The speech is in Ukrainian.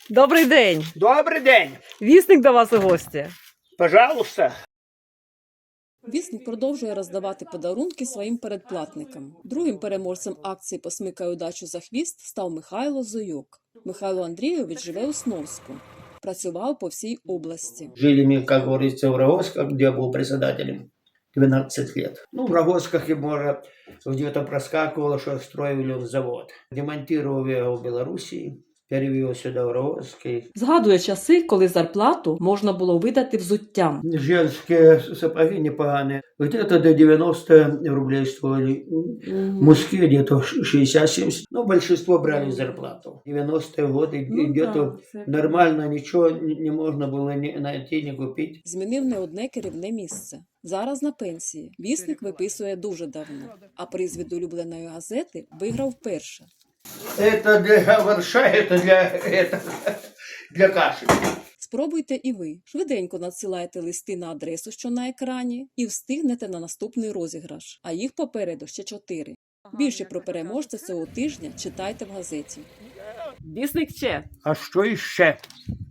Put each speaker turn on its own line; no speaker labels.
Добрий день!
Добрий день!
Вісник до вас у гості.
Пожалуйста.
Вісник продовжує роздавати подарунки своїм передплатникам. Другим переможцем акції «Посмикай удачу за хвіст» став Михайло Зойок. Михайло Андрійович живе у Сновську. Працював по всій області.
Жили мы, как говорится, в Рогозках, где я был председателем 12 лет. Ну, в Рогозках и, может, где-то проскакивало, что строили завод. Демонтировал я его в Белоруссии, перевел сюда в Рогозский.
Згадує часи, коли зарплату можна було видати взуттям.
Женские сапоги непоганые. Где-то до 90 рублей стоили. Мужские где-то 60-70. Ну, большинство брали зарплату. 90-е годы где-то нормально ничего не можно было ни найти, ни купить.
Змінив не одне керівне місце. Зараз на пенсії. Вісник виписує дуже давно, а приз від улюбленої газети виграв вперше.
Это для борща, для каши.
Спробуйте і ви. Швиденько надсилайте листи на адресу, що на екрані, і встигнете на наступний розіграш. А їх попереду ще 4. Більше про переможця цього тижня читайте в газеті.
Вісник ще.
А що іще?